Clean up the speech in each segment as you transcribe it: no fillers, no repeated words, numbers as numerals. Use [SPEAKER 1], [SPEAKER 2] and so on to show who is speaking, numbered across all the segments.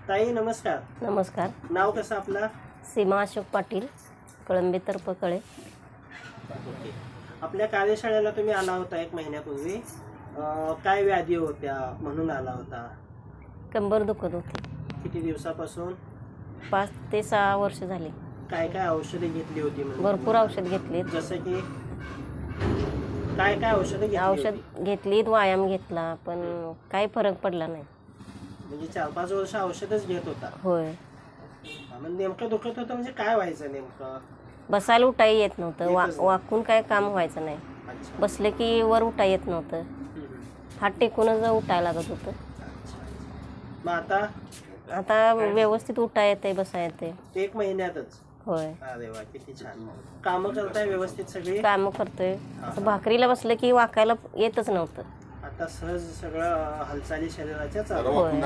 [SPEAKER 1] ताई नमस्कार.
[SPEAKER 2] नमस्कार.
[SPEAKER 1] नाव कसं आपलं?
[SPEAKER 2] सीमा अशोक पाटील, कळंबे तरपकळे.
[SPEAKER 1] ओके. आपल्या कार्यशाळेला तुम्ही आला होता 1 महिन्यापूर्वी. काय व्याधी होत्या म्हणून आला होता?
[SPEAKER 2] कंबर दुखत होती.
[SPEAKER 1] किती दिवसापासून?
[SPEAKER 2] 5 ते 6 वर्ष झाली.
[SPEAKER 1] काय काय औषधे घेतली होती?
[SPEAKER 2] भरपूर औषध घेतली.
[SPEAKER 1] जसं की काय काय औषधे घेतली?
[SPEAKER 2] औषध घेतलीत, व्यायाम घेतला, पण काही फरक पडला नाही.
[SPEAKER 1] म्हणजे 4-5 वर्ष औषधच घेत होता?
[SPEAKER 2] होय.
[SPEAKER 1] म्हणजे नेमकं दुखत होतं म्हणजे काय व्हायचं नेमकं?
[SPEAKER 2] बसायला उठाई येत नव्हतं. वाकून काय काम व्हायचं नाही.
[SPEAKER 1] अच्छा.
[SPEAKER 2] बसले की वर उठाय येत नव्हतं. हात टेकूनच उठायला लागत होतं.
[SPEAKER 1] मग
[SPEAKER 2] आता व्यवस्थित उठाय येते, बसाय येते.
[SPEAKER 1] 1 महिन्यातच?
[SPEAKER 2] होय.
[SPEAKER 1] अरे वा, किती छान. कामं करताय व्यवस्थित सगळी?
[SPEAKER 2] कामं करतोय. असं भाकरीला बसलं की वाकायला येतच नव्हतं.
[SPEAKER 1] आता सहज सगळं हालचाली शरीराच्या चालू.
[SPEAKER 2] होय.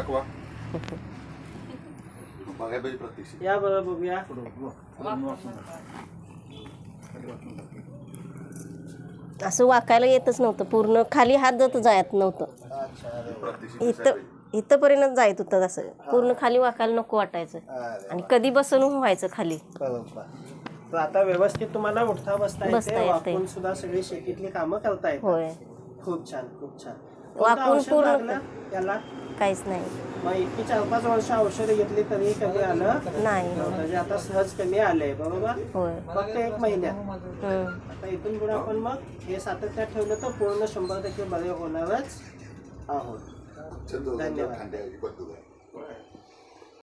[SPEAKER 1] या बरं बघूया.
[SPEAKER 2] असं वाकायला येतच नव्हतं. पूर्ण खाली हात जात नव्हतं. इथंपर्यंत जायत होतं. असं पूर्ण खाली वाकायला नको वाटायचं. आणि कधी बसून व्हायचं खाली.
[SPEAKER 1] बरोबर. तर आता व्यवस्थित तुम्हाला उठता बसता येते, वाकून सुद्धा सगळी शेतीतली कामं करता येतात.
[SPEAKER 2] होय.
[SPEAKER 1] खूप छान, खूप छान.
[SPEAKER 2] वाकून पूर्ण
[SPEAKER 1] याला
[SPEAKER 2] काहीच नाही.
[SPEAKER 1] मग इतकी 4-5 वर्ष औषधे घेतली तरी कमी आलं
[SPEAKER 2] नाही.
[SPEAKER 1] म्हणजे आता सहज कमी आलंय. बरोबर.
[SPEAKER 2] होय.
[SPEAKER 1] फक्त 1 महिन्यात. आता इथून पुढे आपण मग हे सातत्यात ठेवलं तर पूर्ण 100% बरे होणारच आहोत. धन्यवाद.